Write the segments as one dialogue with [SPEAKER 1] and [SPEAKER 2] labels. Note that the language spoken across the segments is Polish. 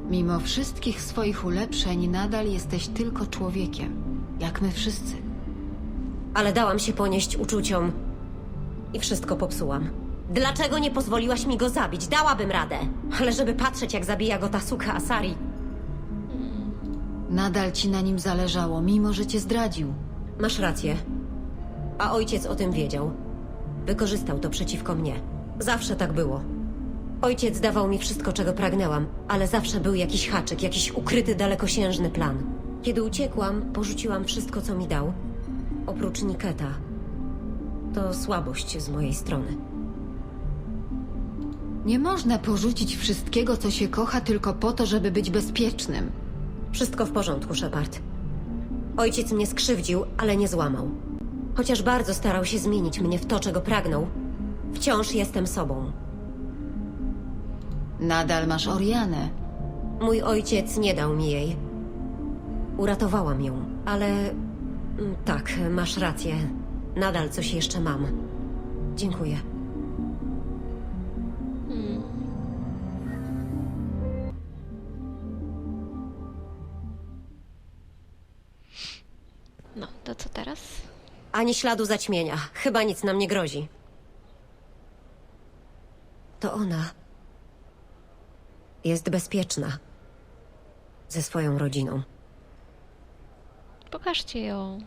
[SPEAKER 1] Mimo wszystkich swoich ulepszeń nadal jesteś tylko człowiekiem, jak my wszyscy.
[SPEAKER 2] Ale dałam się ponieść uczuciom i wszystko popsułam. Dlaczego nie pozwoliłaś mi go zabić? Dałabym radę. Ale żeby patrzeć, jak zabija go ta suka Asari.
[SPEAKER 1] Nadal ci na nim zależało, mimo że cię zdradził.
[SPEAKER 2] Masz rację. A ojciec o tym wiedział. Wykorzystał to przeciwko mnie. Zawsze tak było. Ojciec dawał mi wszystko, czego pragnęłam, ale zawsze był jakiś haczyk, jakiś ukryty, dalekosiężny plan. Kiedy uciekłam, porzuciłam wszystko, co mi dał. Oprócz Niketa. To słabość z mojej strony.
[SPEAKER 1] Nie można porzucić wszystkiego, co się kocha, tylko po to, żeby być bezpiecznym.
[SPEAKER 2] Wszystko w porządku, Shepard. Ojciec mnie skrzywdził, ale nie złamał. Chociaż bardzo starał się zmienić mnie w to, czego pragnął, wciąż jestem sobą.
[SPEAKER 1] Nadal masz Orianę.
[SPEAKER 2] Mój ojciec nie dał mi jej. Uratowałam ją, ale... Tak, masz rację. Nadal coś jeszcze mam. Dziękuję.
[SPEAKER 3] No, to co teraz?
[SPEAKER 2] Ani śladu zaćmienia. Chyba nic nam nie grozi. To ona. Jest bezpieczna. Ze swoją rodziną.
[SPEAKER 3] Pokażcie ją.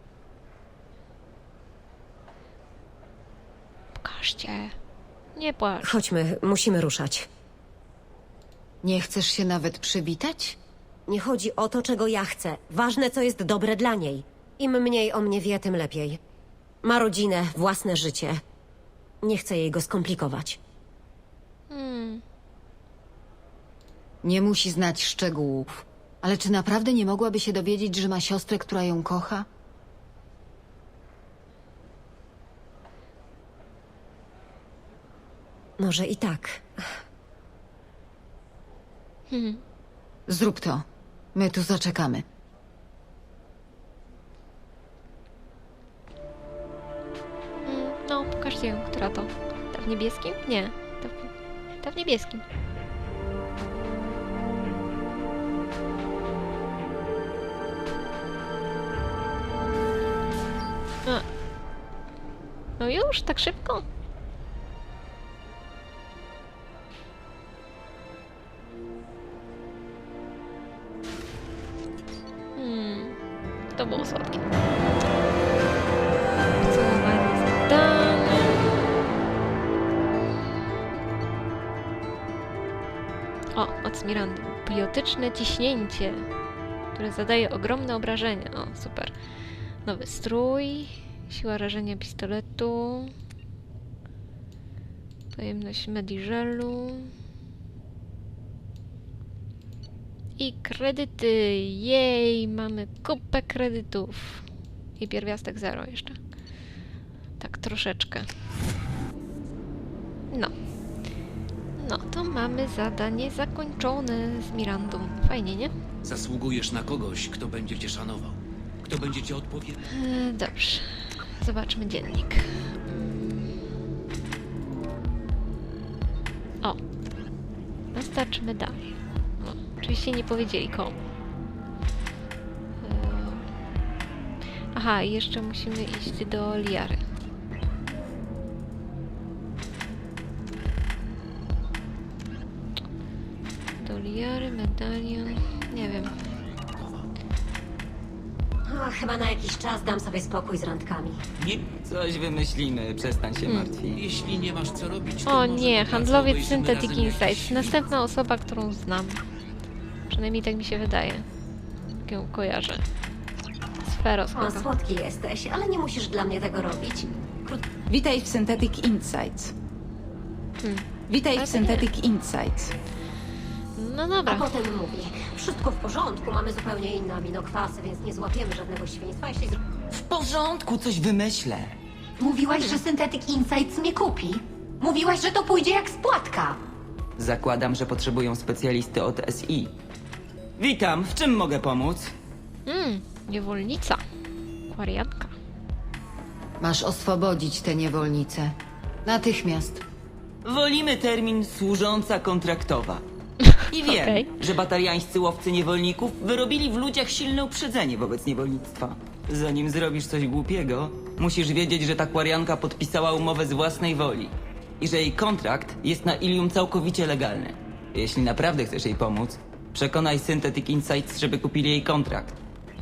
[SPEAKER 3] Pokażcie. Nie płacz.
[SPEAKER 2] Chodźmy, musimy ruszać.
[SPEAKER 1] Nie chcesz się nawet przywitać?
[SPEAKER 2] Nie chodzi o to, czego ja chcę. Ważne, co jest dobre dla niej. Im mniej o mnie wie, tym lepiej. Ma rodzinę, własne życie. Nie chcę jej go skomplikować.
[SPEAKER 1] Nie musi znać szczegółów. Ale czy naprawdę nie mogłaby się dowiedzieć, że ma siostrę, która ją kocha?
[SPEAKER 2] Może i tak.
[SPEAKER 1] Zrób to. My tu zaczekamy.
[SPEAKER 3] No, pokażcie ją, która to. Ta w niebieskim? Nie. Ta w niebieskim. A. No już? Tak szybko? To było słodkie. Podsumowanie zadane. O, od Mirandy. Biotyczne ciśnięcie, które zadaje ogromne obrażenia. O, super. Nowy strój. Siła rażenia pistoletu. Pojemność mediżelu. I kredyty. Jej, mamy kupę kredytów. I pierwiastek 0 jeszcze. Tak troszeczkę. No. No, to mamy zadanie zakończone z Mirandą. Fajnie, nie?
[SPEAKER 4] Zasługujesz na kogoś, kto będzie cię szanował. Kto będzie cię odpowiedział.
[SPEAKER 3] Dobrze. Zobaczmy dziennik. O. Dostarczmy dalej. No, oczywiście nie powiedzieli komu. Aha, i jeszcze musimy iść do Liary. Do Liary, medalion... Nie wiem.
[SPEAKER 2] Chyba na jakiś czas dam sobie spokój z randkami.
[SPEAKER 4] Nie,
[SPEAKER 5] Coś wymyślimy, przestań się martwić.
[SPEAKER 4] jeśli nie masz co robić, to
[SPEAKER 3] O
[SPEAKER 4] może
[SPEAKER 3] nie,
[SPEAKER 4] po pracy
[SPEAKER 3] handlowiec
[SPEAKER 4] obejrzymy
[SPEAKER 3] Synthetic
[SPEAKER 4] razem jakiś
[SPEAKER 3] Insights.
[SPEAKER 4] film.
[SPEAKER 3] Następna osoba, którą znam. Przynajmniej tak mi się wydaje. Jak ją kojarzę. Sferos
[SPEAKER 2] O,
[SPEAKER 3] chyba.
[SPEAKER 2] słodki jesteś, ale nie musisz dla mnie tego robić.
[SPEAKER 6] Witaj w Synthetic Insights. Witaj
[SPEAKER 3] Ale
[SPEAKER 6] w
[SPEAKER 3] to nie.
[SPEAKER 6] Synthetic Insights.
[SPEAKER 3] No
[SPEAKER 2] A
[SPEAKER 3] dobra.
[SPEAKER 2] potem mówi, wszystko w porządku, mamy zupełnie inne aminokwasy, więc nie złapiemy żadnego świństwa, jeśli...
[SPEAKER 5] W porządku, coś wymyślę.
[SPEAKER 7] Mówiłaś, że Synthetic Insights mnie kupi. Mówiłaś, że to pójdzie jak spłatka.
[SPEAKER 5] Zakładam, że potrzebują specjalisty od SI. Witam, w czym mogę pomóc?
[SPEAKER 3] Niewolnica. Kwariatka.
[SPEAKER 1] Masz oswobodzić tę niewolnicę. Natychmiast.
[SPEAKER 5] Wolimy termin służąca kontraktowa. I wiem,
[SPEAKER 3] Okej.
[SPEAKER 5] że batariańscy łowcy niewolników wyrobili w ludziach silne uprzedzenie wobec niewolnictwa. Zanim zrobisz coś głupiego, musisz wiedzieć, że ta kwarianka podpisała umowę z własnej woli i że jej kontrakt jest na Ilium całkowicie legalny. Jeśli naprawdę chcesz jej pomóc, przekonaj Synthetic Insights, żeby kupili jej kontrakt.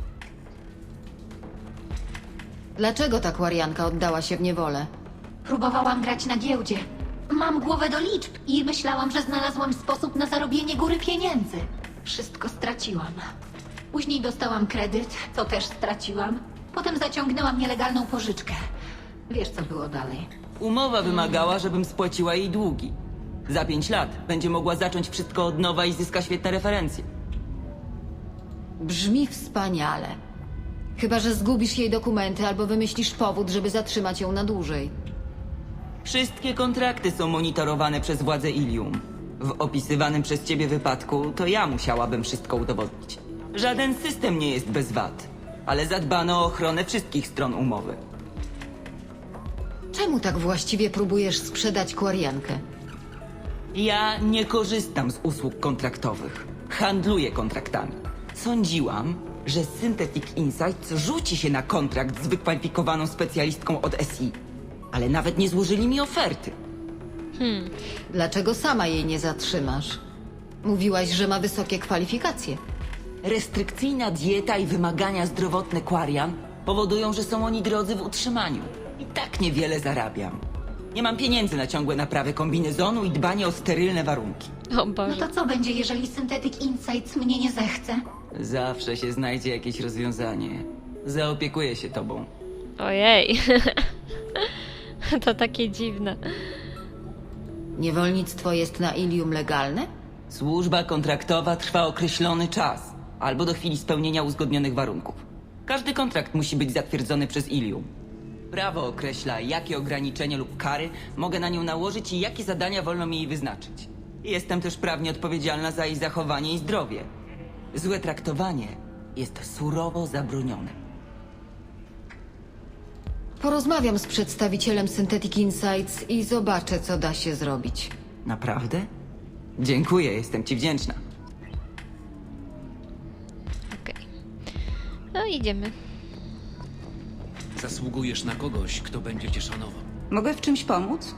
[SPEAKER 1] Dlaczego ta kwarianka oddała się w niewolę?
[SPEAKER 7] Próbowałam grać na giełdzie. Mam głowę do liczb i myślałam, że znalazłam sposób na zarobienie góry pieniędzy. Wszystko straciłam. Później dostałam kredyt, co też straciłam. Potem zaciągnęłam nielegalną pożyczkę. Wiesz, co było dalej.
[SPEAKER 5] Umowa wymagała, żebym spłaciła jej długi. Za 5 lat będzie mogła zacząć wszystko od nowa i zyska świetne referencje.
[SPEAKER 1] Brzmi wspaniale. Chyba że zgubisz jej dokumenty albo wymyślisz powód, żeby zatrzymać ją na dłużej.
[SPEAKER 5] Wszystkie kontrakty są monitorowane przez władze Ilium. W opisywanym przez ciebie wypadku to ja musiałabym wszystko udowodnić. Żaden system nie jest bez wad, ale zadbano o ochronę wszystkich stron umowy.
[SPEAKER 1] Czemu tak właściwie próbujesz sprzedać kwariankę?
[SPEAKER 5] Ja nie korzystam z usług kontraktowych. Handluję kontraktami. Sądziłam, że Synthetic Insights rzuci się na kontrakt z wykwalifikowaną specjalistką od SI. Ale nawet nie złożyli mi oferty.
[SPEAKER 1] Dlaczego sama jej nie zatrzymasz? Mówiłaś, że ma wysokie kwalifikacje.
[SPEAKER 5] Restrykcyjna dieta i wymagania zdrowotne Quarian powodują, że są oni drodzy w utrzymaniu. I tak niewiele zarabiam. Nie mam pieniędzy na ciągłe naprawy kombinezonu i dbanie o sterylne warunki.
[SPEAKER 3] O
[SPEAKER 7] No
[SPEAKER 3] Boże.
[SPEAKER 7] to co będzie, jeżeli Synthetic Insights mnie nie zechce?
[SPEAKER 5] Zawsze się znajdzie jakieś rozwiązanie. Zaopiekuję się tobą.
[SPEAKER 3] Ojej. To takie dziwne.
[SPEAKER 1] Niewolnictwo jest na Ilium legalne?
[SPEAKER 5] Służba kontraktowa trwa określony czas, albo do chwili spełnienia uzgodnionych warunków. Każdy kontrakt musi być zatwierdzony przez Ilium. Prawo określa, jakie ograniczenia lub kary mogę na nią nałożyć i jakie zadania wolno mi jej wyznaczyć. Jestem też prawnie odpowiedzialna za jej zachowanie i zdrowie. Złe traktowanie jest surowo zabronione.
[SPEAKER 1] Porozmawiam z przedstawicielem Synthetic Insights i zobaczę, co da się zrobić.
[SPEAKER 5] Naprawdę? Dziękuję, jestem ci wdzięczna.
[SPEAKER 3] Okej. No idziemy.
[SPEAKER 4] Zasługujesz na kogoś, kto będzie cię szanował.
[SPEAKER 6] Mogę w czymś pomóc?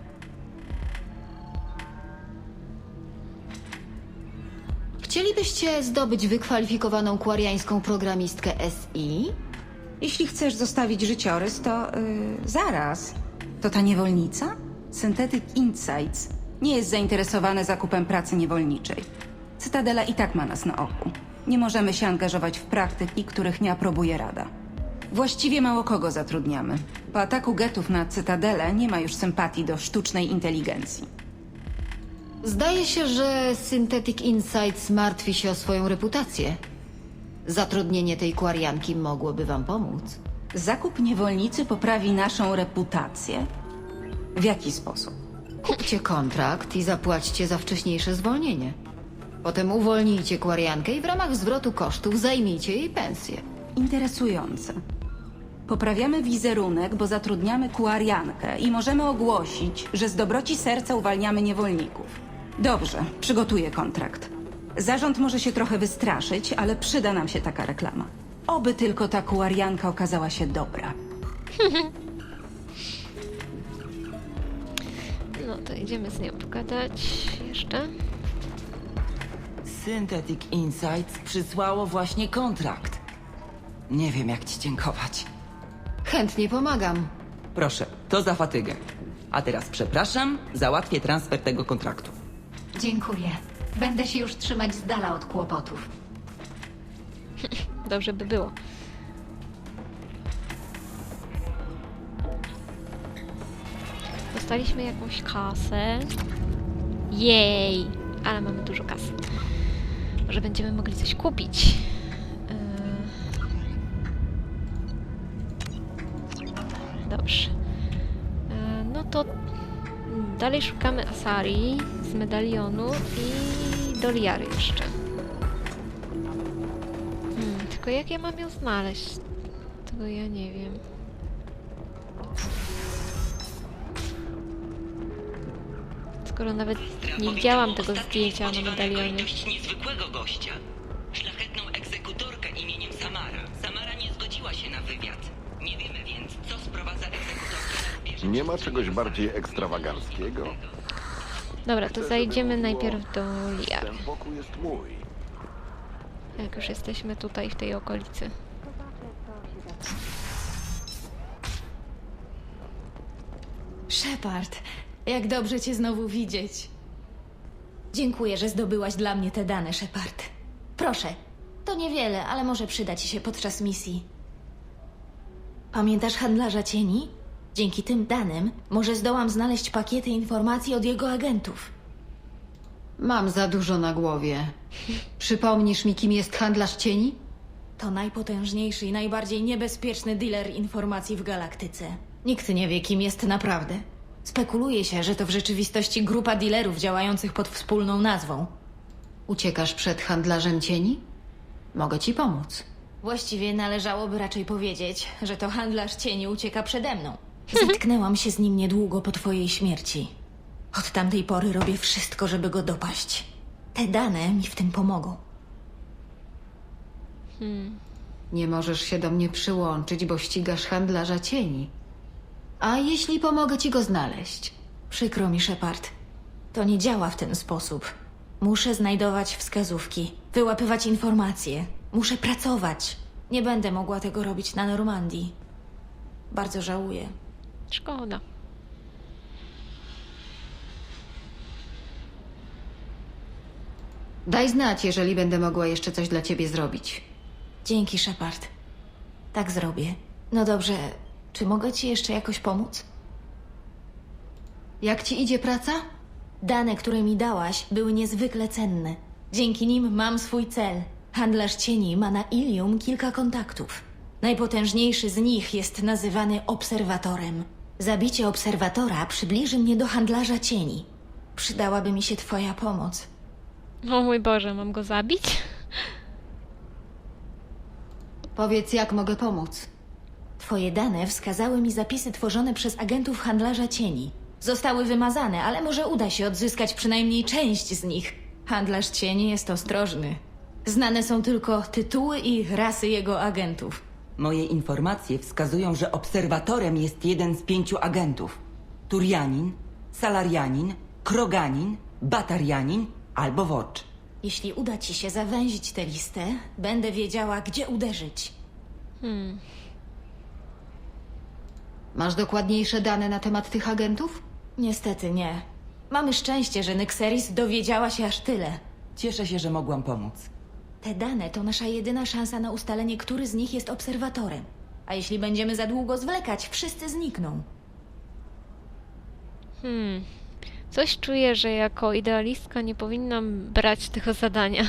[SPEAKER 1] Chcielibyście zdobyć wykwalifikowaną kwariańską programistkę SI?
[SPEAKER 6] Jeśli chcesz zostawić życiorys, to zaraz. To ta niewolnica? Synthetic Insights nie jest zainteresowane zakupem pracy niewolniczej. Cytadela i tak ma nas na oku. Nie możemy się angażować w praktyki, których nie aprobuje Rada. Właściwie mało kogo zatrudniamy. Po ataku getów na Cytadelę nie ma już sympatii do sztucznej inteligencji.
[SPEAKER 1] Zdaje się, że Synthetic Insights martwi się o swoją reputację. Zatrudnienie tej kwarianki mogłoby wam pomóc.
[SPEAKER 6] Zakup niewolnicy poprawi naszą reputację? W jaki sposób?
[SPEAKER 1] Kupcie kontrakt i zapłaćcie za wcześniejsze zwolnienie. Potem uwolnijcie kwariankę i w ramach zwrotu kosztów zajmijcie jej pensję.
[SPEAKER 6] Interesujące. Poprawiamy wizerunek, bo zatrudniamy kuariankę i możemy ogłosić, że z dobroci serca uwalniamy niewolników. Dobrze, przygotuję kontrakt. Zarząd może się trochę wystraszyć, ale przyda nam się taka reklama. Oby tylko ta kuarianka okazała się dobra.
[SPEAKER 3] No to idziemy z nią pogadać jeszcze.
[SPEAKER 5] Synthetic Insights przysłało właśnie kontrakt. Nie wiem, jak ci dziękować.
[SPEAKER 1] Chętnie pomagam.
[SPEAKER 5] Proszę, to za fatygę. A teraz przepraszam, załatwię transfer tego kontraktu.
[SPEAKER 7] Dziękuję. Będę się już trzymać z dala od kłopotów.
[SPEAKER 3] Dobrze by było. Dostaliśmy jakąś kasę. Jej! Ale mamy dużo kasy. Może będziemy mogli coś kupić. Dobrze. No to dalej szukamy Asari z medalionu i Doliary jeszcze. Tylko jak ja mam ją znaleźć? Tego ja nie wiem. Tylko Skoro nawet nie widziałam tego zdjęcia na medalionie.
[SPEAKER 5] Niezwykłego gościa. Szlachetną egzekutorkę imieniem Samara. Samara nie zgodziła się na wywiad. Nie wiemy więc, co sprowadza egzekutorkę na rubieże.
[SPEAKER 8] Nie ma czegoś bardziej ekstrawaganckiego?
[SPEAKER 3] Dobra, to zajdziemy najpierw do Liar.
[SPEAKER 8] Ten pokój jest mój.
[SPEAKER 3] Jak już jesteśmy tutaj, w tej okolicy.
[SPEAKER 9] Shepard, jak dobrze cię znowu widzieć. Dziękuję, że zdobyłaś dla mnie te dane, Shepard. Proszę, to niewiele, ale może przyda ci się podczas misji. Pamiętasz handlarza cieni? Dzięki tym danym może zdołam znaleźć pakiety informacji od jego agentów.
[SPEAKER 1] Mam za dużo na głowie. Przypomnisz mi, kim jest handlarz cieni?
[SPEAKER 9] To najpotężniejszy i najbardziej niebezpieczny dealer informacji w galaktyce. Nikt nie wie, kim jest naprawdę. Spekuluje się, że to w rzeczywistości grupa dealerów działających pod wspólną nazwą.
[SPEAKER 1] Uciekasz przed handlarzem cieni? Mogę ci pomóc.
[SPEAKER 9] Właściwie należałoby raczej powiedzieć, że to handlarz cieni ucieka przede mną. Zetknęłam się z nim niedługo po twojej śmierci. Od tamtej pory robię wszystko, żeby go dopaść. Te dane mi w tym pomogą.
[SPEAKER 1] Nie możesz się do mnie przyłączyć, bo ścigasz handlarza cieni. A jeśli pomogę ci go znaleźć?
[SPEAKER 9] Przykro mi, Shepard. To nie działa w ten sposób. Muszę znajdować wskazówki, wyłapywać informacje. Muszę pracować. Nie będę mogła tego robić na Normandii. Bardzo żałuję.
[SPEAKER 3] Szkoda.
[SPEAKER 1] Daj znać, jeżeli będę mogła jeszcze coś dla ciebie zrobić.
[SPEAKER 9] Dzięki, Shepard. Tak zrobię. No dobrze, czy mogę ci jeszcze jakoś pomóc?
[SPEAKER 1] Jak ci idzie praca?
[SPEAKER 9] Dane, które mi dałaś, były niezwykle cenne. Dzięki nim mam swój cel. Handlarz cieni ma na Ilium kilka kontaktów. Najpotężniejszy z nich jest nazywany Obserwatorem. Zabicie Obserwatora przybliży mnie do handlarza cieni. Przydałaby mi się twoja pomoc.
[SPEAKER 3] O mój Boże, mam go zabić?
[SPEAKER 1] Powiedz, jak mogę pomóc.
[SPEAKER 9] Twoje dane wskazały mi zapisy tworzone przez agentów handlarza cieni. Zostały wymazane, ale może uda się odzyskać przynajmniej część z nich. Handlarz cieni jest ostrożny. Znane są tylko tytuły i rasy jego agentów.
[SPEAKER 5] Moje informacje wskazują, że obserwatorem jest jeden z 5 agentów. Turianin, Salarianin, Kroganin, Batarianin albo Wocz.
[SPEAKER 9] Jeśli uda ci się zawęzić tę listę, będę wiedziała, gdzie uderzyć.
[SPEAKER 1] Masz dokładniejsze dane na temat tych agentów?
[SPEAKER 9] Niestety nie. Mamy szczęście, że Nyxeris dowiedziała się aż tyle.
[SPEAKER 5] Cieszę się, że mogłam pomóc.
[SPEAKER 9] Te dane to nasza jedyna szansa na ustalenie, który z nich jest obserwatorem. A jeśli będziemy za długo zwlekać, wszyscy znikną.
[SPEAKER 3] Coś czuję, że jako idealistka nie powinnam brać tego zadania.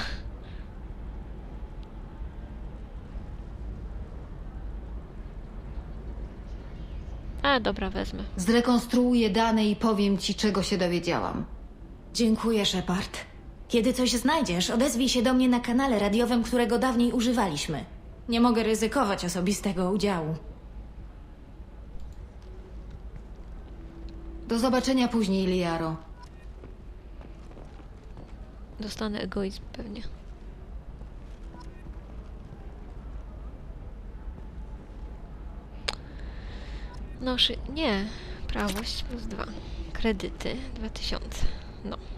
[SPEAKER 3] A dobra, wezmę.
[SPEAKER 1] Zrekonstruuję dane i powiem ci, czego się dowiedziałam.
[SPEAKER 9] Dziękuję, Shepard. Kiedy coś znajdziesz, odezwij się do mnie na kanale radiowym, którego dawniej używaliśmy. Nie mogę ryzykować osobistego udziału.
[SPEAKER 1] Do zobaczenia później, Liaro.
[SPEAKER 3] Dostanę egoizm pewnie. Nie. Prawość +2. Kredyty 2000. No.